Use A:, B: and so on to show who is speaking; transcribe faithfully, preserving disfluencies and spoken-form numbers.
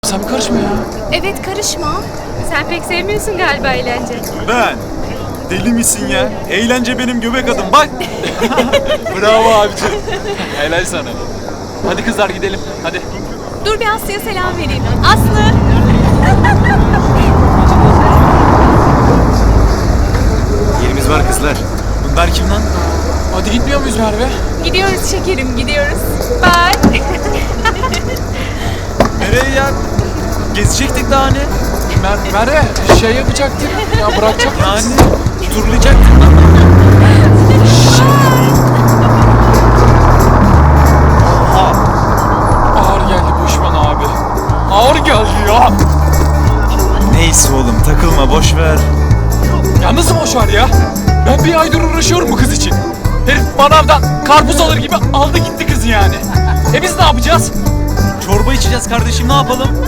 A: Sen bir karışma ya.
B: Evet, karışma. Sen pek sevmiyorsun galiba eğlence.
C: Ben? Deli misin ya? Eğlence benim göbek adım bak.
A: Bravo abicim. Helal sana. Hadi kızlar gidelim. Hadi.
B: Dur bir Aslı'ya selam vereyim. Aslı!
C: Yerimiz var kızlar. Bunlar kim lan?
A: Hadi gitmiyor muyuz Merve?
B: Gidiyoruz şekerim, gidiyoruz. Bye.
C: Nereye ya? Gezecektik daha ne?
A: Mer Merve şey yapacaktık. Ya bırakacaktık.
C: Yani turlayacaktık lan. Oha.
A: Ağır geldi bu iş bana abi. Ağır geldi ya.
C: Neyse oğlum takılma boş ver.
A: Ya nasıl boş ver ya? Ben bir aydır uğraşıyorum bu kız için. Herif manavdan karpuz alır gibi aldı gitti kızı yani. E biz ne yapacağız?
C: Çorba içeceğiz kardeşim ne yapalım?